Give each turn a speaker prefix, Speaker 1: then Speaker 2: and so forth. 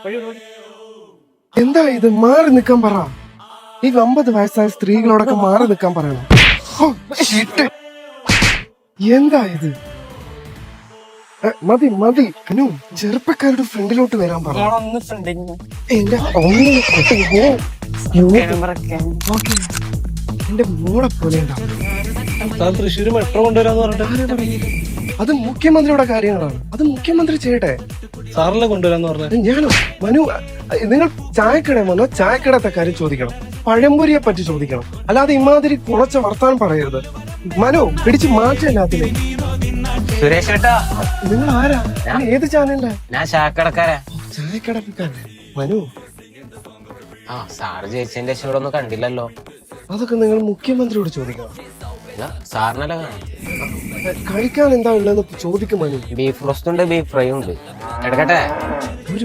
Speaker 1: എന്താ ഇത്? മാറി നിക്കാൻ പറ. ഈ 50 വയസ്സായ സ്ത്രീകളോടൊക്കെ മാറി നിക്കാൻ പറയണം. ഹോ, shit. എന്താ ഇത്? മതി മതി അനു, ചെറുപ്പക്കാരുടെ ഫ്രണ്ടിലോട്ട് വരാൻ പറ. എന്റെ എന്റെ മോളെ പോലെ
Speaker 2: തൃശ്ശൂര് മെട്രോ കൊണ്ടുവരാന്ന് പറഞ്ഞിട്ട്
Speaker 1: അത് മുഖ്യമന്ത്രിയുടെ കാര്യങ്ങളാണ്. അത് മുഖ്യമന്ത്രി ചെയ്യട്ടെ.
Speaker 2: സാറിനെ കൊണ്ടുവരാന്ന് പറഞ്ഞത്
Speaker 1: ഞാനോ? മനു, നിങ്ങൾ ചായക്കട വന്നോ ചായക്കടത്തെ കാര്യം ചോദിക്കണം, പഴംപൊരിയെ പറ്റി ചോദിക്കണം, അല്ലാതെ ഇമാതിരി കുറച്ച് വർത്താനം പറയരുത്. മനു, പിടിച്ച് മാറ്റല്ലാത്തില്ലേ.
Speaker 3: സുരേഷ് ഏട്ടാ,
Speaker 1: നിങ്ങൾ ആരാ? ഏത് ചാനലിന്റെ?
Speaker 3: ഞാൻ ചായക്കടക്കാരാ.
Speaker 1: ചായക്കടക്കാരൻ മനു.
Speaker 3: ആ സാറ് ജയിച്ചതിന്റെ ശേഷം ഇവിടെ ഒന്നും കണ്ടില്ലല്ലോ.
Speaker 1: അതൊക്കെ നിങ്ങൾ മുഖ്യമന്ത്രിയോട് ചോദിക്കണം.
Speaker 3: സാറിനല്ല കാണാം.
Speaker 1: കഴിക്കാൻ എന്താ ഉള്ളതെന്ന് ചോദിക്കും മനു.
Speaker 3: ബീഫ് റോസ്റ്റ് ഉണ്ട്, ബീഫ് ഫ്രൈ ഉണ്ട്. എടുക്കട്ടെ?